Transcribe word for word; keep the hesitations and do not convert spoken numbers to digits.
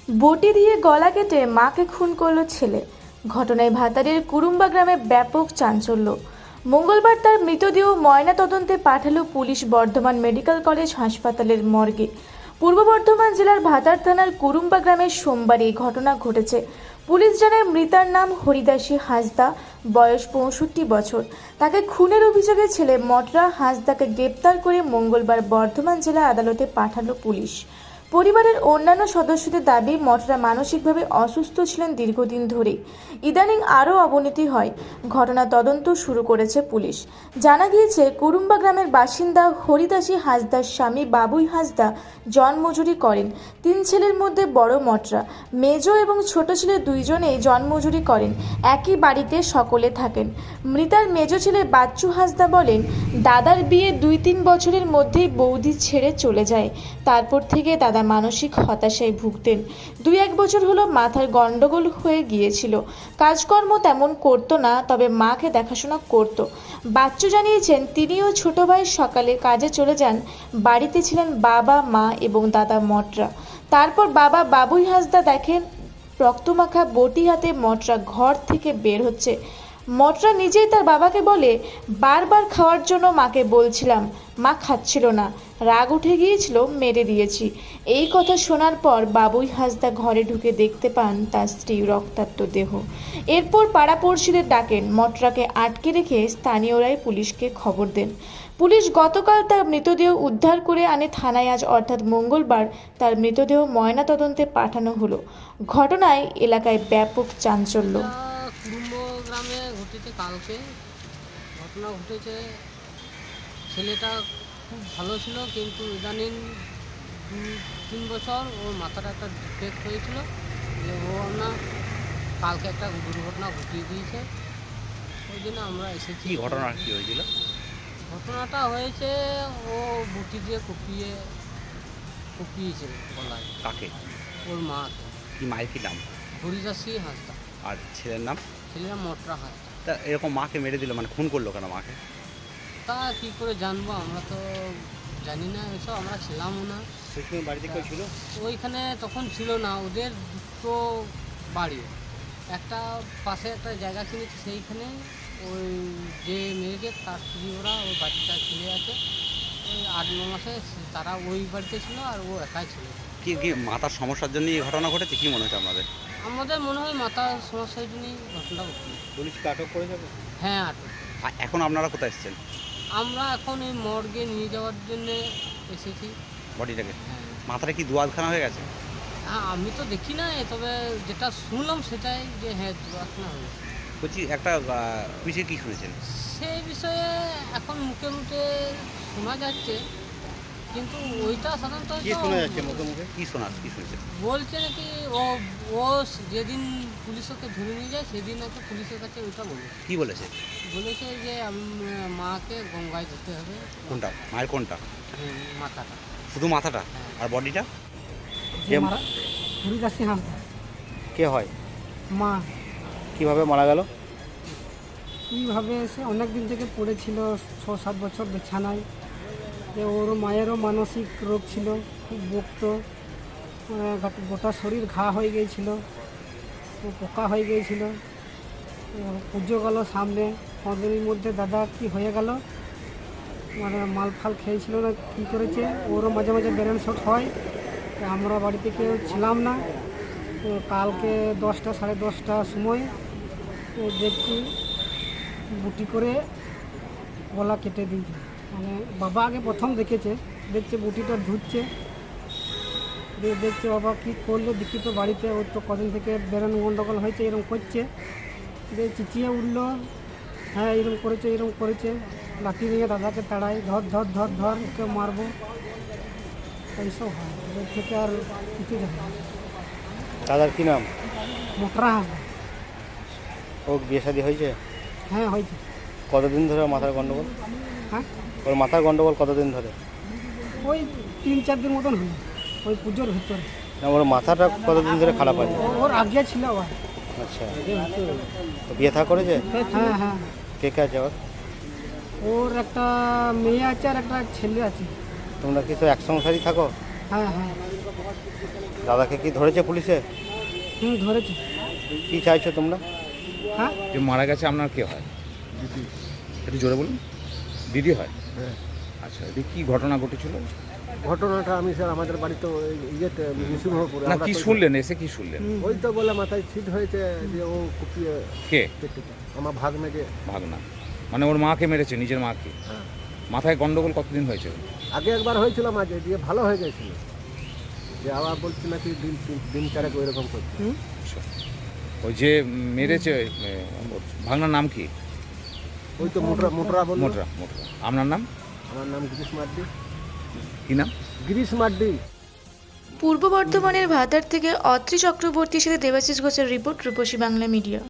বটি দিয়ে গলা কেটে মাকে খুন করল ছেলে। ঘটনায় ভাতারের কুরুম্বা গ্রামে ব্যাপক চাঞ্চল্য। মঙ্গলবার তার মৃতদেহ ময়নাতদন্তে পাঠালো পুলিশ বর্ধমান মেডিকেল কলেজ হাসপাতালের মর্গে। পূর্ব বর্ধমান জেলার ভাতার থানার কুরুম্বা গ্রামে সোমবার এই ঘটনা ঘটেছে। পুলিশ জানায় মৃতার নাম হরিদাসী হাঁসদা, বয়স পঁয়ষট্টি বছর। তাকে খুনের অভিযোগে ছেলে মটরা হাঁসদাকে গ্রেপ্তার করে মঙ্গলবার বর্ধমান জেলা আদালতে পাঠালো পুলিশ। পরিবারের অন্যান্য সদস্যদের দাবি, মটরা মানসিকভাবে অসুস্থ ছিলেন দীর্ঘদিন ধরেই। ইদানিং আরও অবনতি হয়। ঘটনা তদন্ত শুরু করেছে পুলিশ। জানা গিয়েছে, কুরুম্বা গ্রামের বাসিন্দা হরিদাসী হাঁসদার স্বামী বাবুই হাঁসদা জন্মজুরি করেন। তিন ছেলের মধ্যে বড় মটরা। মেজ এবং ছোট ছেলে দুইজনেই জন্মজুরি করেন। একই বাড়িতে সকলে থাকেন। মৃতার মেজ ছেলে বাচ্চু হাঁসদা বলেন, দাদার বিয়ে দুই তিন বছরের মধ্যেই বৌদি ছেড়ে চলে যায়। তারপর থেকে দাদা মানসিক হতাশায় ভুগতেন। দুই এক বছর হলো মাথার গন্ডগোল হয়ে গিয়েছিল। কাজকর্ম তেমন করতো না, তবে মাকে দেখাশোনা করত। বাচ্চু জানিয়েছেন, তিনিও ছোট ভাই সকালে কাজে চলে যান। বাড়িতে ছিলেন বাবা, মা এবং দাদা মটরা। তারপর বাবা বাবুই হাঁসদা দেখেন রক্তমাখা বটি হাতে মটরা ঘর থেকে বের হচ্ছে। মটরা নিজেই তার বাবাকে বলে, বারবার খাওয়ার জন্য মাকে বলছিলাম, মা খাচ্ছিল না, রাগ উঠে গিয়েছিল, মেরে দিয়েছি। এই কথা শোনার পর বাবুই হাঁসদা ঘরে ঢুকে দেখতে পান তার স্ত্রী রক্তাক্ত দেহ। এরপর পাড়াপড়শিদের ডাকেন। মটরাকে আটকে রেখে স্থানীয়রাই পুলিশকে খবর দেন। পুলিশ গতকাল তার মৃতদেহ উদ্ধার করে আনে থানায়। আজ অর্থাৎ মঙ্গলবার তার মৃতদেহ ময়নাতদন্তে পাঠানো হলো। ঘটনায় এলাকায় ব্যাপক চাঞ্চল্য। কুরুম্ব গ্রামে ঘটেছে কালকে ঘটনা ঘটেছে। ছেলেটা খুব ভালো ছিল, কিন্তু ইদানিং দু তিন বছর ওর মাথাটা একটা ডিফেক্ট হয়েছিল, যে ও না কালকে একটা দুর্ঘটনা ঘটিয়ে দিয়েছে। ওই জন্য আমরা এসেছি। কি ঘটনা কি হয়েছিল? ঘটনাটা হয়েছে, ও বুটি দিয়ে কুপিয়ে কুপিয়েছে গলায়। কাকে? ওর মা। কি মায়ের কি নাম? হরিদাসী হাঁসদা। আর ছেলের নাম? ছেলেরা মটরা হাঁসদা। তা এরকম মাকে মেরে দিল, মানে খুন করলো কেন মাকে? তা কী করে জানবো, আমরা তো জানি না এসব, আমরা ছিলামও না। সেখানে বাড়িতে কেউ ছিল? ওইখানে তখন ছিল না। ওদের দুটো বাড়ি, একটা পাশে একটা জায়গা কিনেছে, সেইখানে ওই যে মেয়েকে তার স্ত্রী ওরা ওই বাচ্চা ছেলে আছে, ওই আট ন মাসে তারা ওই বাড়িতে ছিল, আর ও একাই ছিল। কি কি মাথার সমস্যার জন্য এই ঘটনা ঘটেছে, কি মনে হচ্ছে আপনাদের? আমাদের মনে হয় মাথার সমস্যার জন্যই ঘটনাটা ঘটল। পুলিশকে আটক করে যাবে? হ্যাঁ, আটক। আর এখন আপনারা কোথায় এসেছেন? আমরা এখন এই মর্গে নিয়ে যাওয়ার জন্যে এসেছি বডিটাকে? হ্যাঁ। মাথাটা কি দুয়াদখানা হয়ে গেছে? হ্যাঁ, আমি তো দেখি না, তবে যেটা শুনলাম সেটাই, যে হ্যাঁ দুর্ঘটনা হয়েছে। বলছি একটা বিষয়ে কি শুনেছেন? সেই বিষয়ে এখন মুখে মুখে শোনা যাচ্ছে, কিন্তু ওইটা সাধারণত কি শোনা যাচ্ছে মুখে মুখে? কি শোনা কি শুনেছেন? বলছে নাকি ও ও যেদিন পুলিশ ওকে ধরে নিয়ে যায় সেদিন নাকি পুলিশের কাছে ওইটা বলে। কি বলেছে? বলেছে যে আমি মাকে গঙ্গায় যেতে হবে। কোনটা মায়ের কোনটা? হুম, মাথাটা। শুধু মাথাটা? আর বডিটা? যে মারা হরিদাসী হাঁসদা কে হয়? মা। কিভাবে মারা গেল? কীভাবে সে অনেক দিন থেকে পড়েছিল, ছ সাত বছর বিছানায়। যে ওর মায়েরও মানসিক রোগ ছিল, খুব বকত, গোটা শরীর ঘা হয়ে গিয়েছিল, ও পোকা হয়ে গিয়েছিল। পুজো গেল সামনে, পনেরোর মধ্যে দাদা কি হয়ে গেল, মানে মাল ফাল খেয়েছিল না কী করেছে, ওরও মাঝে মাঝে ব্রেন শট হয়। আমরা বাড়িতে কেউ ছিলাম না। তো কালকে দশটা সাড়ে দশটার সময় দেখছি বুটি করে গলা কেটে দিয়েছে। মানে বাবা আগে প্রথম দেখেছে, দেখছে বুটিটা ধুচ্ছে, দিয়ে দেখছে বাবা কী করলো, দেখি তো বাড়িতে ওর তো কদিন থেকে বেরোন গন্ডগোল হয়েছে, এরকম করছে। দিয়ে চিচিয়ে উঠলো, হ্যাঁ এরকম করেছে এরকম করেছে। লাঠি নিয়ে দাদাকে তাড়াই, ধর ধর ধর ধর ওকে মারবো, এইসব হয়। ওদের থেকে আর কিছু জানি না। দাদার কি নাম? মোটরা হাঁসদা। ও বিয়ে শাদী হয়েছে? হ্যাঁ হয়েছে। কতদিন ধরে মাথার গন্ডগোল? হ্যাঁ, ওর মাথার গন্ডগোল কতদিন ধরে? ওই তিন চার দিন মতন হলো, ওই পুজোর ভিতরে। না, ওর মাথাটা কতদিন ধরে খারাপ আছে? ওর আগে ছিল আবার। আচ্ছা, বিয়ে থা করেছে? হ্যাঁ হ্যাঁ, কে কে আছে ওর? ওর একটা মেয়ে আছে আর একটা ছেলে আছে। তোমরা কি তো এক সংসারই থাকো? হ্যাঁ হ্যাঁ দাদাকে কি ধরেছে পুলিশে? হুম ধরেছে। কি চাইছো তোমরা? হ্যাঁ যে মারা গেছে আপনার কে হয়? একটু জোরে বলুন। দিদি হয়? আচ্ছা, এটি কি ঘটনা ঘটেছিল? ঘটনাটা আমি স্যার আমাদের বাড়িতে ওই ইয়েতে নৃসিংহপুরে না আমরা কি তো- শুনলেন, এসে কি শুনলেন? ওই তো বলে মাথায় ছিট হয়েছে যে ও কুপিয়ে কে? কেটে আমার ভাগ্নে যে ভাগনা মানে ওর মাকে মেরেছে, নিজের মাকে? হ্যাঁ। মাথায় গন্ডগোল কতদিন হয়েছে? আগে একবার হয়েছিল মাঝে দিয়ে ভালো হয়ে গেছিল, যে আবার বলছি নাকি দিন তিন- দিন চারেক ওই রকম করছে। আচ্ছা। ওই যে মেরেছে এ, ওর ভাগনার নাম কি? ওই তো মোটরা মোটরা বলল। মোটরা মোটরা। আপনার নাম আমার নাম গিরিশ মার্ডি। কি নাম? গিরিশ মার্ডি। পূর্ব বর্ধমানের ভাতার থেকে অত্রি চক্রবর্তীর সাথে দেবাশিস ঘোষের রিপোর্ট, রূপসী বাংলা মিডিয়া।